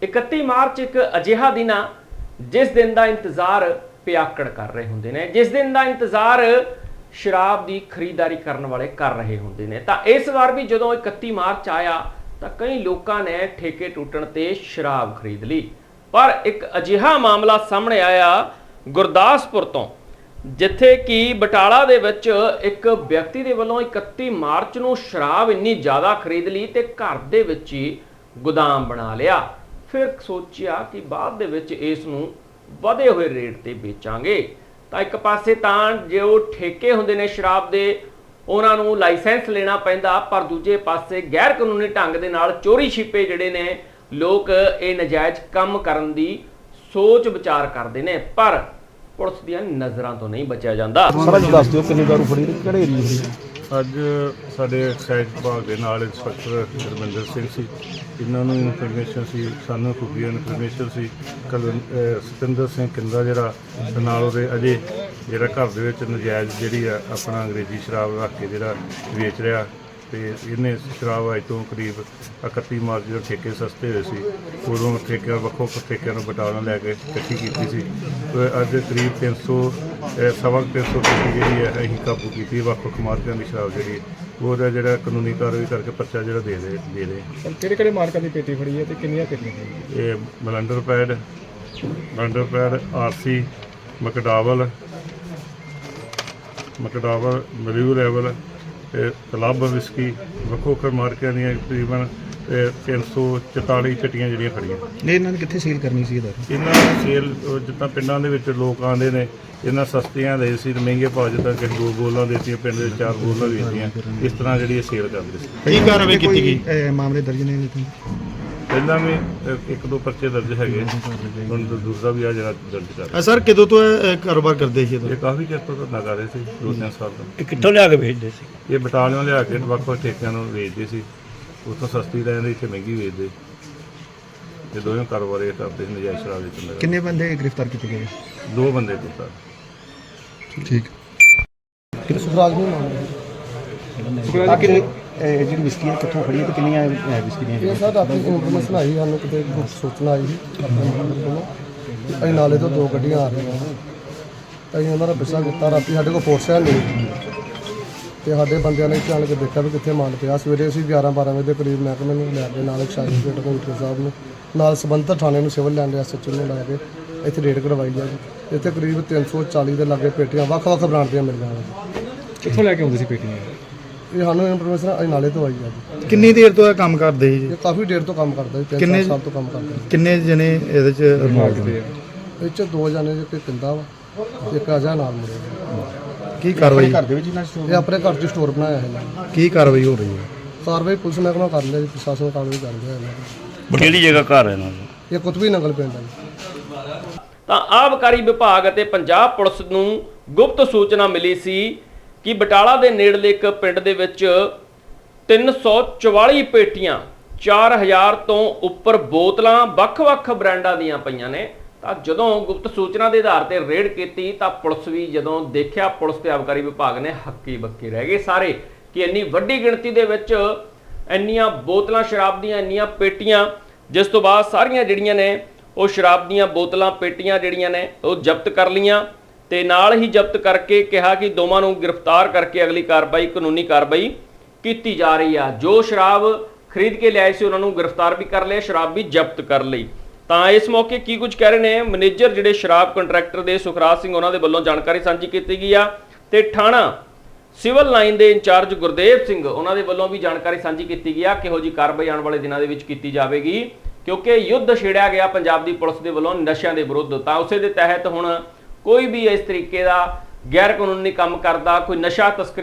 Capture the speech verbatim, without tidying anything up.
इकत्ती मार्च एक अजिहा दिन आ जिस दिन का इंतजार पियाकड़ कर रहे होंगे ने, जिस दिन का इंतजार शराब की खरीदारी करने वाले कर रहे होंगे ने। तो इस बार भी जो इकत्ती मार्च आया तो कई लोगों ने ठेके टूटण ते शराब खरीद ली। पर एक अजिहा मामला सामने आया गुरदासपुर तो, जिथे कि बटाला दे विच एक व्यक्ति दे वल्लों इकत्ती मार्च नूं शराब इन्नी ज़्यादा खरीद ली ते घर दे विच ही गोदाम बना लिया। फिर सोचिया कि बाद दे विच इस नूं वधे हुए रेट ते बेचांगे। तो एक पासे तां जो ठेके हुंदे ने शराब दे उन्हां नूं लाइसेंस लेना पैंदा, पर दूजे पासे गैर कानूनी ढंग दे नाल चोरी छिपे जिहड़े ने लोग ये नजायज़ काम करन दी सोच विचार करते हैं, पर पुलिस दी नज़रां तो नहीं बचिया जाता। ਅੱਜ ਸਾਡੇ ਐਕਸਾਈਜ਼ ਵਿਭਾਗ ਦੇ ਨਾਲ ਇੰਸਪੈਕਟਰ ਗੁਰਮਿੰਦਰ ਸਿੰਘ ਸੀ, ਇਹਨਾਂ ਨੂੰ ਇਨਫੋਰਮੇਸ਼ਨ ਸੀ, ਸਾਨੂੰ ਖੁਫੀਆ ਇਨਫੋਰਮੇਸ਼ਨ ਸੀ ਕਲ ਸਤਿੰਦਰ ਸਿੰਘ ਕਿੰਦਾ ਜਿਹੜਾ ਨਾਲ ਉਹਦੇ ਅਜੇ ਜਿਹੜਾ ਘਰ ਦੇ ਵਿੱਚ ਨਜਾਇਜ਼ ਜਿਹੜੀ ਆ ਆਪਣਾ ਅੰਗਰੇਜ਼ੀ ਸ਼ਰਾਬ ਰੱਖ ਕੇ ਜਿਹੜਾ ਵੇਚ ਰਿਹਾ, ਤੇ ਇਹਨੇ ਸ਼ਰਾਬ ਅੱਜ ਤੋਂ ਕਰੀਬ ਇਕੱਤੀ ਮਾਰਚ ਜਦੋਂ ਠੇਕੇ ਸਸਤੇ ਹੋਏ ਸੀ ਉਦੋਂ ਠੇਕਿਆਂ ਵੱਖੋ ਵੱਖ ਠੇਕਿਆਂ ਨੂੰ ਬਟਾਲਾ ਲੈ ਕੇ ਇਕੱਠੀ ਕੀਤੀ ਸੀ। ਅੱਜ ਕਰੀਬ ਤਿੰਨ ਸੌ ਸਵਾ ਤਿੰਨ ਸੌ ਠੇਕੀ ਜਿਹੜੀ ਹੈ ਅਸੀਂ ਕਾਬੂ ਕੀਤੀ, ਵੱਖ ਵੱਖ ਮਾਰਕਿਆਂ ਦੀ ਸ਼ਰਾਬ ਜਿਹੜੀ ਉਹਦਾ ਜਿਹੜਾ ਕਾਨੂੰਨੀ ਕਾਰਵਾਈ ਕਰਕੇ ਪਰਚਾ ਜਿਹੜਾ ਦੇ ਦੇ ਦੇ ਰਹੇ। ਕਿਹੜੇ ਕਿਹੜੇ ਮਾਰਕਾਂ ਦੀ ਪੇਟੀ ਫੜੀ ਹੈ ਤੇ ਕਿੰਨੀਆਂ ਪੇਟੀਆਂ? ਇਹ Blenders Pride Blenders Pride RC McDowell McDowell blue ਲੈਵਲ ਕਲੱਬ ਵਿਸਕੀ ਵੱਖੋ ਵੱਖ ਮਾਰਕਿਆਂ ਦੀਆਂ ਤਕਰੀਬਨ ਤਿੰਨ ਸੌ ਚੁਤਾਲੀ ਚਟੀਆਂ ਜਿਹੜੀਆਂ ਖੜੀਆਂ। ਨਹੀਂ, ਇਹਨਾਂ ਨੇ ਕਿੱਥੇ ਸੇਲ ਕਰਨੀ ਸੀ? ਇਹਦਾ ਇਹਨਾਂ ਨੂੰ ਸੇਲ ਜਿੱਦਾਂ ਪਿੰਡਾਂ ਦੇ ਵਿੱਚ ਲੋਕ ਆਉਂਦੇ ਨੇ, ਇਹਨਾਂ ਸਸਤੀਆਂ ਦੇ ਸੀ ਮਹਿੰਗੇ ਭਾਅ, ਜਿੱਦਾਂ ਕਿ ਦੋ ਬੋਲਾਂ ਦੇਤੀਆਂ, ਪਿੰਡ ਦੇ ਚਾਰ ਬੋਲਾਂ ਵੇਚਦੀਆਂ, ਇਸ ਤਰ੍ਹਾਂ ਜਿਹੜੀ ਇਹ ਸੇਲ ਕਰਦੇ ਸੀ। ਕੀ ਕਾਰਵਾਈ ਕੀਤੀ ਗਈ? ਮਾਮਲੇ ਦਰਜ ਨੇ ਪਹਿਲਾਂ ਵੀ ਇੱਕ ਦੋ ਪਰਚੇ ਦਰਜ ਹੈਗੇ, ਹੁਣ ਦੂਸਰਾ ਵੀ ਆ ਜਿਹੜਾ ਦਰਜ ਕਰ ਰਿਹਾ। ਸਰ ਕਦੋਂ ਤੋਂ ਇਹ ਕਾਰੋਬਾਰ ਕਰਦੇ ਸੀ? ਇਹ ਕਾਫੀ ਚਿਰ ਤੋਂ ਧੰਦਾ ਕਰ ਰਹੇ ਸੀ, ਦੋ ਤਿੰਨ ਸਾਲ ਤੋਂ। ਇਹ ਕਿੱਥੋਂ ਲਿਆ ਕੇ ਵੇਚਦੇ ਸੀ? ਇਹ ਬਟਾਲਿਓਂ ਲਿਆ ਕੇ ਵੱਖ ਵੱਖ ਠੇਕਿਆਂ ਨੂੰ ਵੇਚਦੇ ਸੀ, ਉੱਥੋਂ ਸਸਤੀ ਲੈ ਜਾਂਦੇ, ਇੱਥੇ ਮਹਿੰਗੀ ਵੇਚਦੇ। ਇਹ ਦੋਵੇਂ ਕਾਰੋਬਾਰ ਇਹ ਕਰਦੇ ਸੀ ਨਜਾਇਜ਼ ਸ਼ਰਾਬ ਵੇਚਣ। ਕਿੰਨੇ ਬੰਦੇ ਗ੍ਰਿਫਤਾਰ ਕੀਤੇ ਗਏ? ਦੋ ਬੰਦੇ ਗ੍ਰਿਫਤਾਰ। ਠੀਕ। ਸੁਖਰਾਜ ਨੂੰ ਮਾਮਲਾ ਸੁਖਰਾਜ ਜਿਹੜੀ ਵਿਸਕੀ ਹੈ ਕਿੱਥੋਂ ਖੜੀ ਹੈ ਤੇ ਕਿੰਨੀਆਂ ਵਿਸਕੀ ਦੀਆਂ? ਇਹ ਸਰ ਰਾਤੀ ਇਨਫੋਰਮੇਸ਼ਨ ਆਈ ਸਾਨੂੰ, ਕਿਤੇ ਕੁਝ ਸੂਚਨਾ ਆਈ ਸੀ ਆਪਣੇ ਨੰਬਰ ਕੋਲੋਂ। ਅਸੀਂ ਨਾਲੇ ਤੋਂ ਦੋ ਗੱਡੀਆਂ ਆ ਰਹੀਆਂ, ਅਸੀਂ ਉਹਨਾਂ ਦਾ ਪਿੱਛਾ ਕੀਤਾ। ਰਾਤੀ ਸਾਡੇ ਕੋਲ ਫੋਰਸ ਹੈ ਨਹੀਂ ਤੇ ਸਾਡੇ ਬੰਦਿਆਂ ਨੇ ਜਾਣ ਕੇ ਦੇਖਿਆ ਵੀ ਕਿੱਥੇ ਮਾਲ ਪਿਆ। ਸਵੇਰੇ ਅਸੀਂ ਗਿਆਰਾਂ ਬਾਰਾਂ ਵਜੇ ਦੇ ਕਰੀਬ ਮਹਿਕਮੇ ਨੂੰ ਲੈ ਕੇ ਨਾਲ ਐਕਸਾਈਜ਼ ਕਮਿਸ਼ਨਰ ਸਾਹਿਬ ਨੂੰ ਨਾਲ ਸੰਬੰਧਿਤ ਥਾਣੇ ਨੂੰ ਸਿਵਲ ਲਾਈਨ ਦੇ ਐਸ ਐਚ ਓ ਨੂੰ ਲੈ ਕੇ ਇੱਥੇ ਰੇਡ ਕਰਵਾਈ ਹੈ ਜੀ। ਇੱਥੇ ਕਰੀਬ ਤਿੰਨ ਸੌ ਚਾਲੀ ਦੇ ਲਾਗੇ ਪੇਟੀਆਂ ਵੱਖ ਵੱਖ ਬ੍ਰਾਂਡ ਦੀਆਂ ਮਿਲ ਜਾਣਗੀਆਂ। ਕਿੱਥੋਂ ਲੈ ਕੇ ਆਉਂਦੇ ਸੀ ਪੇਟੀਆਂ? ਇਹ ਸਾਨੂੰ ਇਨਫੋਰਮੇਸ਼ਨ ਅਸੀਂ ਨਾਲੇ ਤੋਂ ਆਈ ਹੈ ਜੀ। ਕਿੰਨੀ ਦੇਰ ਤੋਂ ਇਹ ਕੰਮ ਕਰਦੇ ਸੀ? ਇਹ ਕਾਫੀ ਦੇਰ ਤੋਂ ਕੰਮ ਕਰਦਾ ਜੀ, ਤਿੰਨ ਸਾਲ ਤੋਂ ਕੰਮ ਕਰਦਾ। ਕਿੰਨੇ ਜਣੇ ਇਹਦੇ ਚ ਇਨਵੋਲਵ ਹੋਏ? ਇਹ 'ਚ ਦੋ ਜਣੇ ਜੇ ਕੋਈ ਪਿੰਦਾ ਵਾ, ਇੱਕ ਅਜਾ ਨਾਲ ਮੁੰਡੇ। ਕੀ ਕਾਰਵਾਈ ਘਰ ਦੇ ਵਿੱਚ ਇਹਨਾਂ ਇਹ ਆਪਣੇ ਘਰ 'ਚ ਸਟੋਰ ਬਣਾਇਆ ਹੈ। ਕੀ ਕਾਰਵਾਈ ਹੋ ਰਹੀ ਹੈ? ਕਾਰਵਾਈ ਪੁਲਿਸ ਮਹਿਕਮਾ ਕਰ ਲਿਆ ਜੀ, ਪ੍ਰਸ਼ਾਸਨ ਕਾਰਵਾਈ ਕਰ ਰਿਹਾ ਹੈ। ਕਿਹੜੀ ਜਗ੍ਹਾ ਘਰ ਹੈ ਇਹਨਾਂ ਦਾ? ਇਹ ਕੁਤਬੀ ਨੰਗਲ ਪਿੰਡ ਹੈ। ਤਾਂ ਆਬਕਾਰੀ ਵਿਭਾਗ ਅਤੇ ਪੰਜਾਬ ਪੁਲਿਸ ਨੂੰ ਗੁਪਤ ਸੂਚਨਾ ਮਿਲੀ ਸੀ ਕਿ ਬਟਾਲਾ ਦੇ ਨੇੜਲੇ ਇੱਕ ਪਿੰਡ ਦੇ ਵਿੱਚ ਤਿੰਨ ਸੌ ਚੁਤਾਲੀ ਪੇਟੀਆਂ ਚਾਰ ਹਜ਼ਾਰ ਤੋਂ ਉੱਪਰ ਬੋਤਲਾਂ ਵੱਖ-ਵੱਖ ਬ੍ਰਾਂਡਾਂ ਦੀਆਂ ਪਈਆਂ ਨੇ। ਤਾਂ ਜਦੋਂ ਗੁਪਤ ਸੂਚਨਾ ਦੇ ਆਧਾਰ ਤੇ ਰੇਡ ਕੀਤੀ ਤਾਂ ਪੁਲਿਸ ਵੀ ਜਦੋਂ ਦੇਖਿਆ, ਪੁਲਿਸ ਤੇ ਆਬਕਾਰੀ ਵਿਭਾਗ ਨੇ ਹੱਕੀ ਬੱਕੀ ਰਹਿ ਗਏ ਸਾਰੇ ਕਿ ਇੰਨੀ ਵੱਡੀ ਗਿਣਤੀ ਦੇ ਵਿੱਚ ਇੰਨੀਆਂ ਬੋਤਲਾਂ ਸ਼ਰਾਬ ਦੀਆਂ, ਇੰਨੀਆਂ ਪੇਟੀਆਂ, ਜਿਸ ਤੋਂ ਬਾਅਦ ਸਾਰੀਆਂ ਜਿਹੜੀਆਂ ਨੇ ਉਹ ਸ਼ਰਾਬ ਦੀਆਂ ਬੋਤਲਾਂ ਪੇਟੀਆਂ ਜਿਹੜੀਆਂ ਨੇ ਉਹ ਜ਼ਬਤ ਕਰ ਲਈਆਂ ਤੇ ਨਾਲ ਹੀ ਜ਼ਬਤ ਕਰਕੇ ਕਿਹਾ ਕਿ ਦੋਵਾਂ ਨੂੰ ਗ੍ਰਿਫਤਾਰ ਕਰਕੇ ਅਗਲੀ ਕਾਰਵਾਈ ਕਾਨੂੰਨੀ ਕਾਰਵਾਈ ਕੀਤੀ ਜਾ ਰਹੀ ਆ। ਜੋ ਸ਼ਰਾਬ ਖਰੀਦ ਕੇ ਲਿਆਏ ਸੀ ਉਹਨਾਂ ਨੂੰ ਗ੍ਰਿਫਤਾਰ ਵੀ ਕਰ ਲਿਆ, ਸ਼ਰਾਬ ਵੀ ਜ਼ਬਤ ਕਰ ਲਈ। ਤਾਂ ਇਸ ਮੌਕੇ ਕੀ ਕੁਝ ਕਹਿ ਰਹੇ ਨੇ ਮੈਨੇਜਰ ਜਿਹੜੇ ਸ਼ਰਾਬ ਕੰਟਰੈਕਟਰ ਦੇ ਸੁਖਰਾਜ ਸਿੰਘ, ਉਹਨਾਂ ਦੇ ਵੱਲੋਂ ਜਾਣਕਾਰੀ ਸਾਂਝੀ ਕੀਤੀ ਗਈ ਆ ਤੇ ਥਾਣਾ ਸਿਵਲ ਲਾਈਨ ਦੇ ਇੰਚਾਰਜ ਗੁਰਦੇਵ ਸਿੰਘ, ਉਹਨਾਂ ਦੇ ਵੱਲੋਂ ਵੀ ਜਾਣਕਾਰੀ ਸਾਂਝੀ ਕੀਤੀ ਗਈ ਆ ਕਿਹੋ ਜੀ ਕਾਰਵਾਈ ਆਉਣ ਵਾਲੇ ਦਿਨਾਂ ਦੇ ਵਿੱਚ ਕੀਤੀ ਜਾਵੇਗੀ, ਕਿਉਂਕਿ ਯੁੱਧ ਛੇੜਿਆ ਗਿਆ ਪੰਜਾਬ ਦੀ ਪੁਲਿਸ ਦੇ ਵੱਲੋਂ ਨਸ਼ਿਆਂ ਦੇ ਵਿਰੁੱਧ। ਤਾਂ ਉਸੇ ਦੇ ਤਹਿਤ ਹੁਣ ਕੋਈ ਵੀ ਇਸ ਤਰੀਕੇ ਦਾ ਗੈਰ ਕਾਨੂੰਨੀ ਕੰਮ ਕਰਦਾ, ਕੋਈ ਨਸ਼ਾ ਤਸਕਰੀ